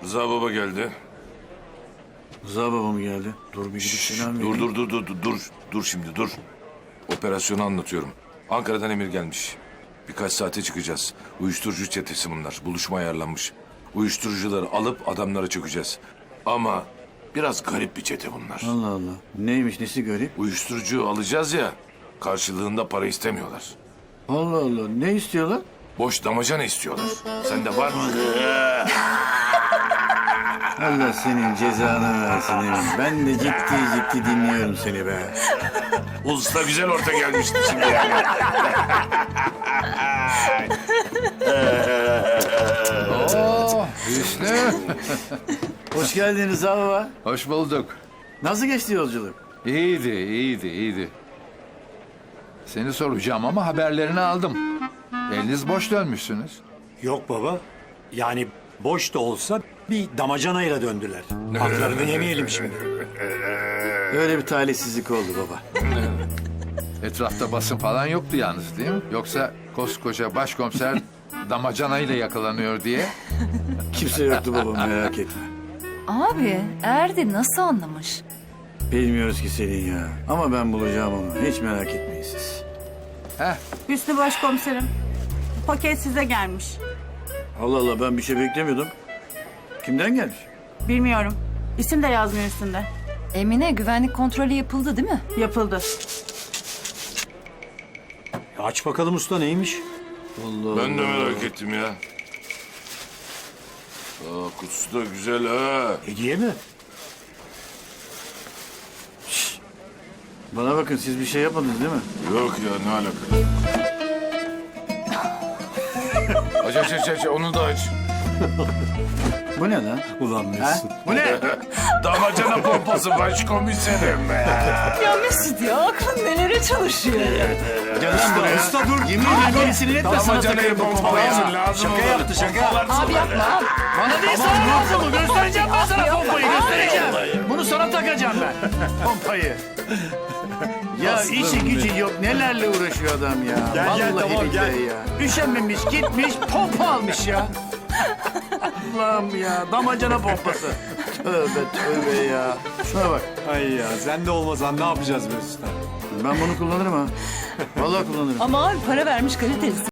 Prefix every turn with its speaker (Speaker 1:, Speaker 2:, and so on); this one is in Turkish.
Speaker 1: Rıza baba geldi.
Speaker 2: Rıza baba mı geldi? Dur bir gidip selam vereyim.
Speaker 1: Dur şimdi dur. Operasyonu anlatıyorum. Ankara'dan emir gelmiş. Birkaç saate çıkacağız. Uyuşturucu çetesi bunlar. Buluşma ayarlanmış. Uyuşturucuları alıp adamlara çökeceğiz. Ama biraz garip bir çete bunlar.
Speaker 2: Allah Allah. Neymiş, nesi garip?
Speaker 1: Uyuşturucu alacağız ya. Karşılığında para istemiyorlar.
Speaker 2: Allah Allah. Ne istiyorlar?
Speaker 1: Boş damacana istiyorlar. Sende var mı?
Speaker 2: Allah senin cezanı versin Emin. Ben de ciddi dinliyorum seni be.
Speaker 1: Usta güzel orta gelmişti şimdi yani.
Speaker 3: Hüsnü.
Speaker 2: Hoş geldin Rıza baba.
Speaker 3: Hoş bulduk.
Speaker 2: Nasıl geçti yolculuk?
Speaker 3: İyiydi. Seni soracağım ama haberlerini aldım. Eliniz boş dönmüşsünüz.
Speaker 4: Yok baba. Yani boş da olsa bir damacanayla döndüler. Haklarını yemeyelim şimdi.
Speaker 2: Öyle bir talihsizlik oldu baba.
Speaker 3: Etrafta basın falan yoktu yalnız değil mi? Yoksa koskoca başkomiser damacanayla yakalanıyor diye.
Speaker 2: Kimse yoktu baba, merak etme.
Speaker 5: Abi Erdi nasıl anlamış?
Speaker 2: Bilmiyoruz ki Selin ya. Ama ben bulacağım onu. Hiç merak etmeyin siz.
Speaker 3: Heh,
Speaker 6: Hüsnü Başkomiserim, paket size gelmiş.
Speaker 2: Allah Allah, ben bir şey beklemiyordum. Kimden gelmiş?
Speaker 6: Bilmiyorum, isim de yazmıyor üstünde.
Speaker 5: Emine güvenlik kontrolü yapıldı değil mi?
Speaker 6: Yapıldı.
Speaker 4: Aç bakalım usta neymiş?
Speaker 2: Allah
Speaker 1: Ben de merak ettim ya. Kutusu da güzel ha.
Speaker 4: Hediye mi?
Speaker 2: Bana bakın, siz bir şey yapmadınız değil mi?
Speaker 1: Yok ya, ne alaka? Aç onu da aç.
Speaker 2: Bu ne lan?
Speaker 4: Ulan Mesut.
Speaker 2: Bu ne?
Speaker 1: Damacana pompası başkomiserim be.
Speaker 5: Ya Mesut ya aklın nelere çalışıyor ya.
Speaker 2: Gel lan buraya.
Speaker 4: Usta dur.
Speaker 2: Yemin ederim gerisini etme, sana
Speaker 1: Damacanayı
Speaker 2: takarım bu
Speaker 1: pompalayasın
Speaker 2: pompayı.
Speaker 1: lazım
Speaker 4: Şaka
Speaker 1: olur.
Speaker 4: yaptı, şaka.
Speaker 5: Abi yapma abi.
Speaker 2: Bana değil, sana lazım mı? Göstereceğim ben sana pompayı, göstereceğim. Bunu sana takacağım ben. Pompayı. Ya işi gücü yok, nelerle uğraşıyor adam ya.
Speaker 4: Gel, gel,
Speaker 2: Vallahi
Speaker 4: tamam,
Speaker 2: billahi
Speaker 4: gel.
Speaker 2: ya. Üşenmemiş, gitmiş, pompa almış ya. Allah'ım ya, damacana pompası. Tövbe ya. Şuna bak,
Speaker 4: Ay ya sen de olmasan ne yapacağız Mesut'a?
Speaker 2: ben bunu kullanırım ha. Vallahi kullanırım.
Speaker 5: Ama abi para vermiş kaliteli.